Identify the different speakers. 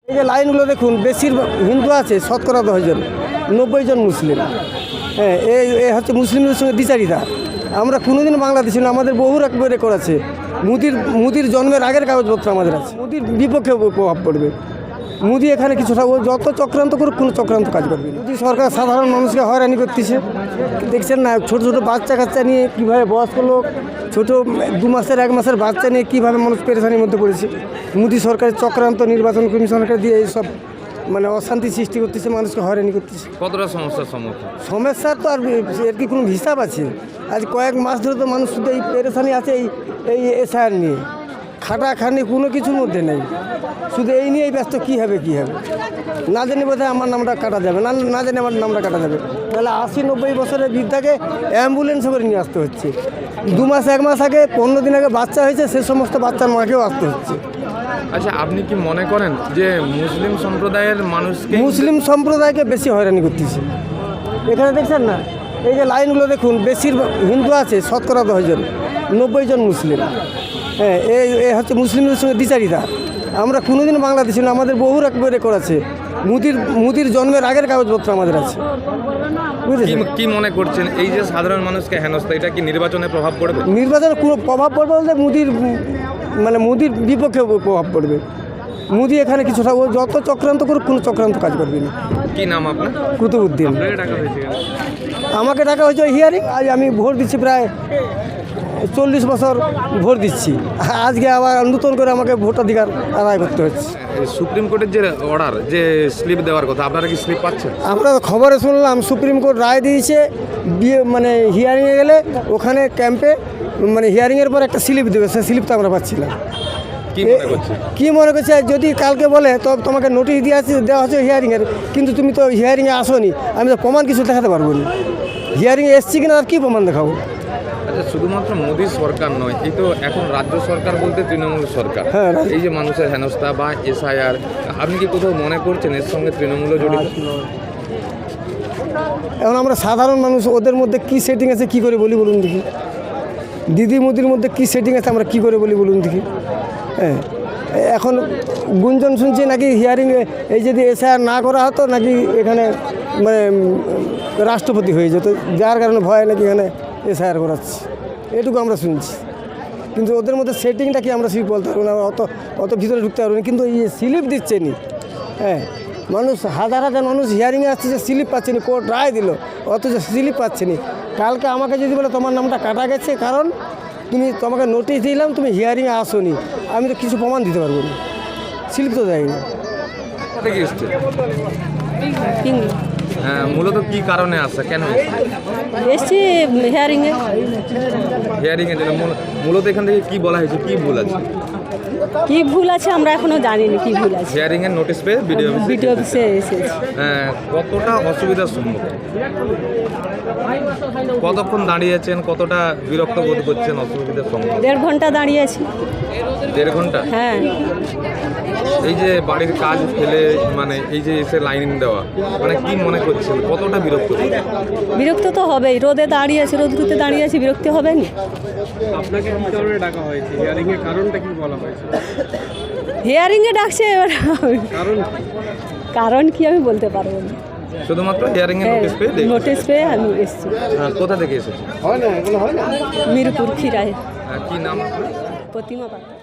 Speaker 1: এই যে লাইনগুলো দেখুন, বেশিরভাগ হিন্দু আছে, শতকরা 10 জন, 90 জন মুসলিম। হ্যাঁ, এই হচ্ছে মুসলিমদের সঙ্গে দ্বিচারিতা। আমরা কোনোদিন বাংলাদেশি না, আমাদের বহু রকম রেকর্ড আছে। মুদির জন্মের আগের কাগজপত্র আমাদের আছে। মুদির বিপক্ষে প্রভাব পড়বে। মোদি এখানে কিছুটা যত চক্রান্ত করুক, কোনো চক্রান্ত কাজ করবে না। মোদি সরকার সাধারণ মানুষকে হয়রানি করতেছে, দেখছেন না? ছোটো ছোটো বাচ্চা কাচ্চা নিয়ে কীভাবে, বয়স্ক লোক ছোটো 2 মাসের 1 মাসের বাচ্চা নিয়ে কীভাবে মানুষ পেরেশানির মধ্যে পড়েছে। মোদি সরকারের চক্রান্ত, নির্বাচন কমিশনকে দিয়ে এইসব মানে অশান্তি সৃষ্টি করতেছে, মানুষকে হয়রানি করতেছে।
Speaker 2: কতটা সমস্যার সম্মুখীন?
Speaker 1: সমস্যার তো আর এর কি কোনো হিসাব আছে? আজ কয়েক মাস ধরে তো মানুষ শুধু এই পেরেশানি আছে, এই এসআইআর নিয়ে। খাটাখানি কোনো কিছুর মধ্যে নেই, শুধু এই নিয়েই ব্যস্ত। কী হবে না জানি, বোধহয় আমার নামটা কাটা যাবে না জানি আমার নামটা কাটা যাবে। তাহলে 80-90 বছরের বৃদ্ধাকে অ্যাম্বুলেন্সে করে নিয়ে আসতে হচ্ছে। 2 মাস 1 মাস আগে, 15 দিন আগে বাচ্চা হয়েছে, সে সমস্ত বাচ্চার মাকেও আসতে হচ্ছে।
Speaker 2: আচ্ছা, আপনি কি মনে করেন যে মুসলিম
Speaker 1: সম্প্রদায়কে বেশি হয়রানি করতেছে? এখানে দেখছেন না, এই যে লাইনগুলো দেখুন, বেশিরভাগ হিন্দু আছে, শতকরা 10 জন, 90 জন মুসলিম। হ্যাঁ, এই হচ্ছে মুসলিমদের সঙ্গে দ্বিচারিতা। আমরা কোনোদিন বাংলাদেশি না, আমাদের বহু রকম রেকর্ড আছে। মুদির জন্মের আগের কাগজপত্র আমাদের আছে।
Speaker 2: কি মনে করছেন এই যে সাধারণ মানুষকে হেনস্থা, এটা কি নির্বাচনে প্রভাব পড়বে?
Speaker 1: নির্বাচনে কোনো প্রভাব পড়বে বলতে মুদির বিপক্ষে প্রভাব পড়বে। মোদি এখানে কিছুটা যত চক্রান্ত করুক, কোনো চক্রান্ত কাজ করবে না।
Speaker 2: কি নাম আপনার?
Speaker 1: কুতুবউদ্দিন। আমাকে ডাকা হয়েছে হিয়ারিং। আজ আমি ভোট দিচ্ছি, প্রায় 40 বছর ভোট দিচ্ছি। আজকে আবার নতুন করে আমাকে ভোটাধিকার আদায় করতে হচ্ছে।
Speaker 2: সুপ্রিম কোর্টের যে অর্ডার, যে স্লিপ দেওয়ার কথা, আপনারা কি স্লিপ পাচ্ছেন?
Speaker 1: আমরা খবরে শুনলাম সুপ্রিম কোর্ট রায় দিয়েছে, মানে হিয়ারিংয়ে গেলে ওখানে ক্যাম্পে মানে হিয়ারিংয়ের পর একটা স্লিপ দেবে, সে স্লিপটা আমরা পাচ্ছি না। কি মনে করছে, যদি কালকে বলে তো তোমাকে নোটিশ দেওয়া হচ্ছে হিয়ারিংয়ের, কিন্তু তুমি তো হিয়ারিংয়ে আসোনি, আমি তো প্রমাণ কিছু দেখাতে পারবো না। হিয়ারিংয়ে এসছি কিনা আর কী প্রমাণ দেখাবো?
Speaker 2: আচ্ছা, শুধুমাত্র মোদী সরকার নয়, এই তো এখন রাজ্য সরকার বলতে তৃণমূল সরকার।
Speaker 1: হ্যাঁ,
Speaker 2: এই যে মানুষের হেনস্থা বা এসআইআর, আপনি কি কোথাও মনে করছেন এর সঙ্গে তৃণমূলও জড়িত?
Speaker 1: এখন আমরা সাধারণ মানুষ, ওদের মধ্যে কি সেটিং আছে কি করে বলি বলুন দেখি? দিদি মোদির মধ্যে কি সেটিং আছে আমরা কি করে বলি বলুন দেখি? হ্যাঁ, এখন গুঞ্জন শুনছি নাকি হিয়ারিংয়ে এই যদি এসআইআর না করা হতো, নাকি এখানে মানে রাষ্ট্রপতি হয়ে যেত, যার কারণে ভয় নাকি এখানে এসআইআর করাচ্ছে, এটুকু আমরা শুনছি। কিন্তু ওদের মধ্যে সেটিংটা কি আমরা বলতে পারবো না, অত ভিতরে ঢুকতে পারবো না। কিন্তু এই স্লিপ দিচ্ছে নি, হ্যাঁ, মানুষ হাজার মানুষ হিয়ারিংয়ে আসছে, যে স্লিপ পাচ্ছে না, কোর্ট রায় দিল, অথচ স্লিপ পাচ্ছে না। কালকে আমাকে যদি বলে তোমার নামটা কাটা গেছে, কারণ তোমাকে নোটিশ দিলাম, তুমি হিয়ারিংয়ে আসোনি, আমি তো কিছু প্রমাণ দিতে পারবো না, স্লিপ তো দেয়নি।
Speaker 2: হ্যাঁ, মূলত কি কারণে আসছে, কেন
Speaker 3: এসছি হিয়ারিংয়ে?
Speaker 2: মূলত এখান থেকে কি বলা হয়েছে, কি ভুল আছে?
Speaker 3: কি ভুল আছে আমরা এখনো জানিনি কি ভুল আছে।
Speaker 2: হিয়ারিং এর নোটিশ পেয়ে
Speaker 3: ভিডিও অফিসে এসেছি।
Speaker 2: কতটা অসুবিধার সম্মুখীন, কতক্ষণ দাঁড়িয়েছেন, কতটা বিরক্ত বোধ করছেন অসুবিধার সম্মুখীন?
Speaker 3: 1.5 ঘন্টা দাঁড়িয়েছি।
Speaker 2: 1.5 ঘন্টা?
Speaker 3: হ্যাঁ।
Speaker 2: এই যে বাড়ির কাজ ফেলে মানে এই যে এসে লাইন দেওয়া, মানে কি মনে করছেন, কতটা বিরক্ত?
Speaker 3: বিরক্ত তো হবেই, রোদে দাঁড়িয়েছি, রোদ্রুতে দাঁড়িয়েছি, বিরক্ত হবে না?
Speaker 4: আপনাকে কি কারণে ডাকা হয়েছে? হিয়ারিং এর কারণটা কি বলা হয়েছে?
Speaker 3: হিয়ারিংয়ে ডাকছে, এবার কারণ কি আমি বলতে পারবো না।
Speaker 2: শুধুমাত্র হিয়ারিং এর
Speaker 3: নোটিশ পেয়ে আমি এসেছি।
Speaker 2: কোথা থেকে এসেছি?
Speaker 3: মিরপুর খিরায়।
Speaker 2: কি নাম?
Speaker 3: প্রতিমা পাত্র।